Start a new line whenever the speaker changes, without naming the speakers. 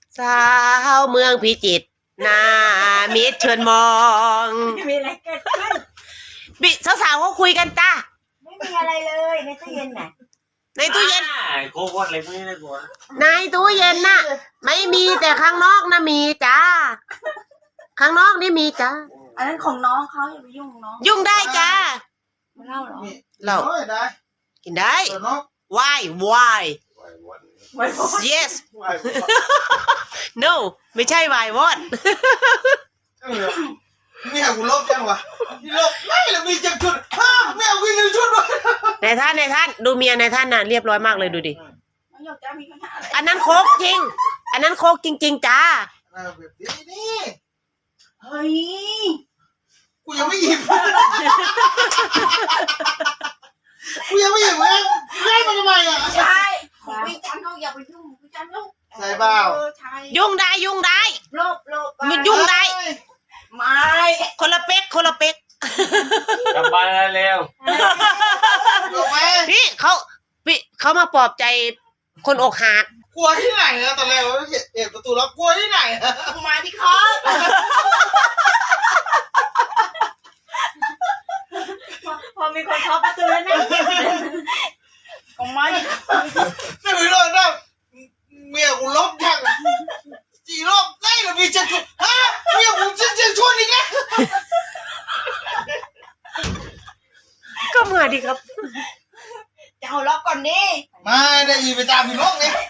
สาวเมืองพิจิตรหน้ามิตรเชิญมอง
ไม่มีอะไรเกิดขึ้น
สาวๆเขาคุยกันจ้า
ไม่มีอะไรเลยในตู้เย็นน่ะ
ในตู้เย็น
โคตรอะไรพวกนี้เลยกู
ในตู้เย็นน่ะ ไม่มีแต่ข้างนอกนะมีจ้าข้างนอกนี่มีจ้า
อันนั้นของน้องเขาอย่าไปยุ่งของน้อง
ยุ่งได้จ้า
ไม่เล่าหรอ
เรา
ได้
กินได้
เดี๋ยวเนาะ
why
ไว้พอ
yes no ไม่ใช่ why what
เนี่ยกูลบยังวะลบไม่แล้วมีจังชุดห้าไม่เอาวิ่งในชุดวะ
ในท่านดูเมียในท่านน่ะเรียบร้อยมากเลยดูดิ
น้องหยกจะมีปัญหาอะไร
อันนั้นโคกจริง อันนั้นโคกจริง ๆจ้า
แบบนี้นี่
เฮ้ย
กูยังไม่หยิบกูยังไม่หยิบเลยได้มาทำไมอ่ะ
ใช่ของพี่จันเขาอย่าไปยุ่งพี่จันลูก
ใช่เปล่า
ใช่
ยุ่งได้
โลบ
มันยุ่งได้
ไม่
คนละเป๊ก
กลับบ้านเร็ว
ลงไหม
พี่เขามาปลอบใจคนอกหัก
กลัวที่ไหนอะตอนแรกเราเห็นประตูแล้วกลัวที่ไหนอะ
มาที่คอพอมีคนเคาะประตูแล้วนะของไม้
ไม่รู้เลยนะเมียกูลบยังจีลบได้หรือมีจังชุดฮะเมียกูจังชุดอีกแล้ว
ก็มาดิครับ
จะเอาล็อกก่อนดิ
ไม่ได้ยินไปตามพี่น้องไง